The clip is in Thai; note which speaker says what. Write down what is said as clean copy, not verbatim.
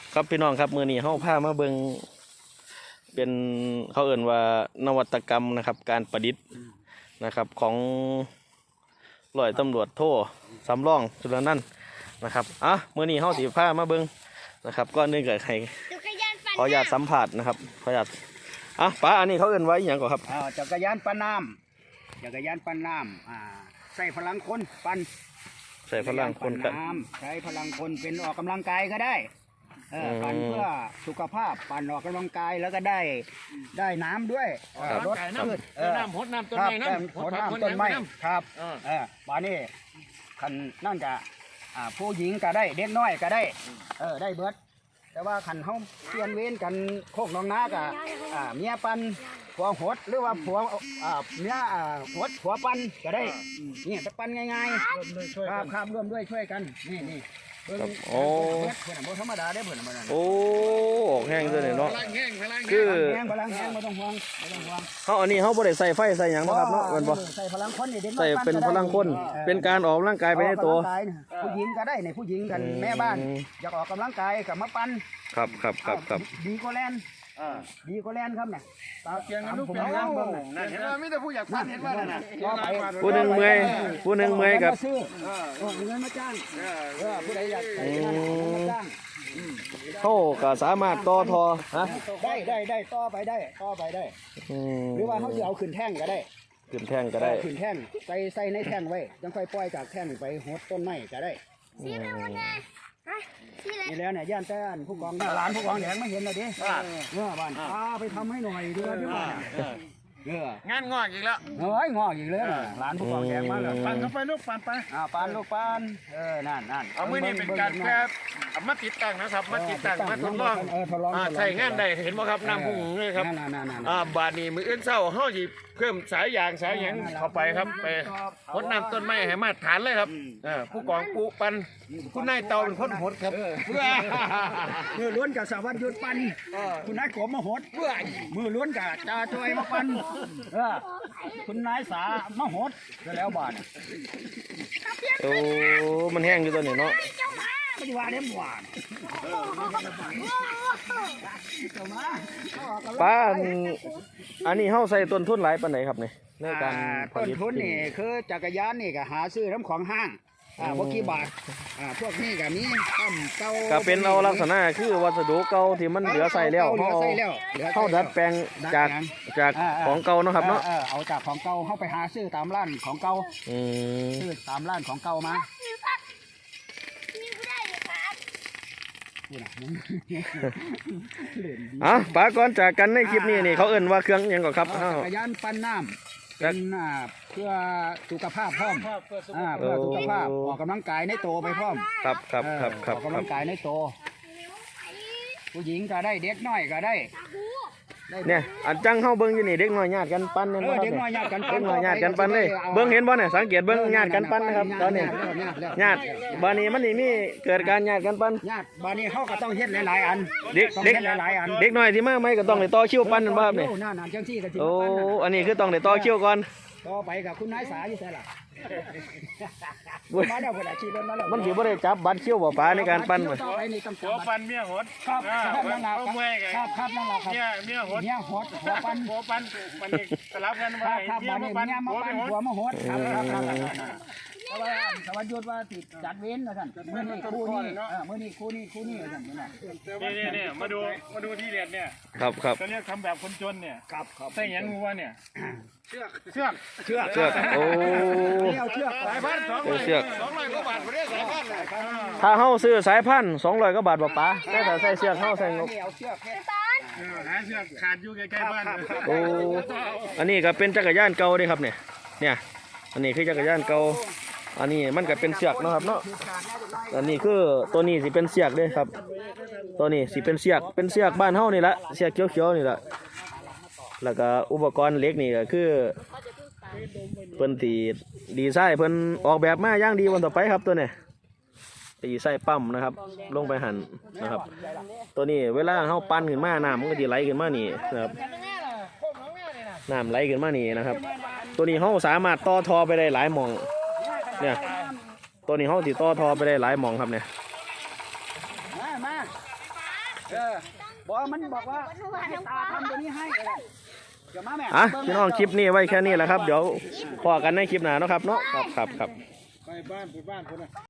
Speaker 1: ครับพี่น้องครับมือนี้เขาพามาเบิงเป็นเขาเอ่นว่านวัตกรรมนะครับการประดิษฐ์นะครับของร้อยตำรวจโทสำรองจุลนันท์นะครับมือนี้เขาสีผ้ามาเบิงนะครับก็นึกเกิดใครขออนุญาตสัมผัสนะครับขออนุญาตป้าอันนี้เขาเอ่นไว้อย่างก่อนครับ
Speaker 2: จักรยานปั้นน้ำใส่พลังคนปั้น
Speaker 1: ใส่พลังคนกัน
Speaker 2: ใช้พลังคนเป็นออกกำลังกายก็ได้ปั่นเพื่อสุขภาพปั่นออกกำลังกายแล้วก็ได้น้ำด้วย
Speaker 3: รถน้ำพดน้ำต้นไม้น้ำ
Speaker 2: พดน้ำต้นไม้ครับป่านี้ขันนั่นจะผู้หญิงก็ได้เด็กน้อยก็ได้ได้เบิดแต่ว่าขันเขาเปลี่ยนเว้นกันโคกน้องนากับเมียปันผัวหดหรือว่าผัวเมียหดผัวปันก็ได้นี่จะปันง่ายๆครับร่วมด้วยช่วยกันนี่
Speaker 1: โอ้
Speaker 2: เพื่อนธรรมดาได้เพื่อนมา
Speaker 1: โอ้แห้งเลยเนาะ
Speaker 2: คือพลังแห้งไม่ต้องห่วง
Speaker 1: เขาอันนี้เขาบ่ได้ใส่ไฟใส่หยังนะครับเนาะมันบ่
Speaker 2: ใส่พลังคนนี่เด็ก
Speaker 1: ใส่เป็นพลังคนเป็นการออกกำลังกายไปในตัว
Speaker 2: ผู้หญิงก็ได้ในผู้หญิงกันแม่บ้านอยากออกกำลังกายกับมาปั้น
Speaker 1: ครับ
Speaker 2: ดีก็แลนดีก็แลนครับเนี่ย
Speaker 3: เกียงกันลูกเป็นงานบ้างเห็นว่าไม่ได้ผู้อยากปั้นเห็นว่าน่ะ
Speaker 1: ผู้หนึ่งเมื่อยกับ
Speaker 2: เงินมาจ้างผู้ใดอยากมาจ้าง
Speaker 1: เขาก็สามารถต่อทอ
Speaker 2: ได้ต่อไปได้หรือว่าเขาจะเอาขึ้นแท่งก็ได้
Speaker 1: ขึ้นแท่งก็ได้
Speaker 2: ขึ้นแท่งใส่ในแท่งไว้ยังค่อยปล่อยจากแท่งไปหดต้นไม้ก็ได้นี่แล้วเนี่ยย่านแต้นผู้กองหลานผู้กองแหงไม่เห็นเลยดิบ้านไปทำให้หน่อยดีกว่
Speaker 3: างานงอกอีกแล้ว
Speaker 2: งอกอีกเลยหลานผู้กองแหงมาเลย
Speaker 3: ปั่นเข้าไปลูกปั่นไป
Speaker 2: ปั่นลูกปั่นนั่น
Speaker 3: เอามือนี่เป็นการแค่มาติดตั้งนะครับมาติดตั้งมาทดลองใช้งานได้เห็นไหมครับน้ำพุ่งเลยครับบาดนี้มือเอื้นเศร้าเฮาหยิบเพิ่มสายยางเข้าไปครับไปพดน้ำต้นไม้ให้มาฐานเลยครับผู้กองปูปันคุณนายเตาเป็นคนหดครับ
Speaker 2: มือล้วนกับสวัสดิ์ยุทธปันคุณนายกบมาหดมือล้วนกับจ่าจอยมาปันคุณนายสามาหดก็แล้วบาด
Speaker 1: โอ้มันแห้งอยู่ตอนนี้เนาะ
Speaker 2: ไม่ได้ว่าเลี้ยงหวาน
Speaker 1: ป้าอันนี้เขาใส่ต้นทุนหลายปานไหนครับเนี่ยในการ
Speaker 2: ต้นทุนนี่คือจักรยานนี่ก็หาซื้อน้ำของห้างพวกกี่บาทพวกนี้ก็มีต้มเก่า
Speaker 1: ก็เป็นเอาลักษณะคือวัสดุเก่าที่มันเหลือใส่แล้วเขาดัดแปลงจากของเก่าเนาะครับเนาะ
Speaker 2: เอาจากของเก่าเข้าไปหาซื้อตามร้านของเก่าซื้อตามร้านของเก่ามา
Speaker 1: ป้าก่อนจากกันในคลิปนี้นี่เขาเอิ่นว่าเครื่องยังก่อนครับ
Speaker 2: จักรยานปั้นน้ำเป็นเพื่อสุขภาพพร้อมเพื่อสุขภาพออกกำลังกายในโตไปพร้อม
Speaker 1: ครับ
Speaker 2: ออกกำลังกายในโตผู้หญิงก็ได้เด็กน้อยก็ได้
Speaker 1: เนี่ยอันจังเข้าเบิ้งอยู่นี่เด็กน้อยญาติกันปั้นเนี่ย
Speaker 2: เด็กน้อยญาติกัน
Speaker 1: ปั้นเลยเบิ้งเห็นบ่เนี่ยสังเกตเบิ้งญาติกันปั้นนะครับตอนนี้ญาติบ้านนี้มันนี่มีเกิดการญาติกันปั้น
Speaker 2: ญาติบ้านนี้เขาก็ต้องเฮ็ดหลายๆอัน
Speaker 1: เด็ก
Speaker 2: หลายๆอัน
Speaker 1: เด็กน้อยที่มาไม่ก็ต้องได้ต่อคิวปั้นนั่นบ่ครับเนี่ยโอ้อันนี้คือต้องได้ต่อคิวก่อน
Speaker 2: ต่อไปกับคุณนายสาอยู่ใช่ล่ะ
Speaker 1: มันถือว่าได้จับบัตรเขี้ยวบ่ป้าในการปั้นเลย
Speaker 3: หัวปั้นเมียหด
Speaker 2: ครับนั่นแหละ
Speaker 3: ครับ
Speaker 2: นั่นแหละครับ
Speaker 3: เมียหด
Speaker 2: หัวปั้น
Speaker 3: มันสลับกัน
Speaker 2: มาเมียมาปั้นหัวมาหดครับสวัสดิ์ยุทธว่าติดจัดเว้นนะท่านเมื่อนี้คู่นี้ท่าน
Speaker 3: นี่มาดูที่เรียนเนี่ย
Speaker 1: ครับ
Speaker 3: จะเรียกทำแบบคนจนเนี่ยใส่ยังงูวะเนี่ยเชือก
Speaker 1: โอ้
Speaker 3: สายพันธุ์200 กว่าบาทไม่ได้สายพันธุ์
Speaker 1: ถ้าเฮาซื้อสายพันธุ์200 กว่าบาทบ่ป้าแต่ถ้าใส่เชือกเฮาใส่งบ
Speaker 3: หาเชือกขาดอยู่ใกล้ๆบ้าน
Speaker 1: โอ้อันนี้ก็เป็นจักรยานเก่าเด้ครับเนี่ยอันนี้คือจักรยานเก่าอันนี้มันก็เป็นเสือกเนาะครับเนาะอันนี้คือตัวนี้สิเป็นเสือกเด้ครับตัวนี้สิเป็นเสือกบ้านเฮานี่ละเสือกเขียวๆนี่ละแล้วก็อุปกรณ์เหล็กนี่ก็คือเพิ่นตีดีไซน์เพิ่นออกแบบมาอย่างดีวันต่อไปครับตัวนี้ตีไส้ปั๊มนะครับลงไปหั่นนะครับตัวนี้เวลาเฮาปั้นขึ้นมาน้ำมันก็สิไหลขึ้นมานี่นะครับน้ำไหลขึ้นมานี่นะครับตัวนี้เฮาสามารถต่อทอไปได้หลายหม่องเนี่ยตัวนี้เฮาสิต่อทอไปได้หลายหม่องครับเนี่ย
Speaker 2: บอกมันบอกว่าให้ตาทำตัวนี้ให้เดี๋ยวมาแม่
Speaker 1: อ่ะพี่น้องคลิปนี้ไว้แค่นี้แหละครับเดี๋ยวพอกันในคลิปหน้าเนาะครับเนาะครับ
Speaker 3: ไปบ้านคนน่ะ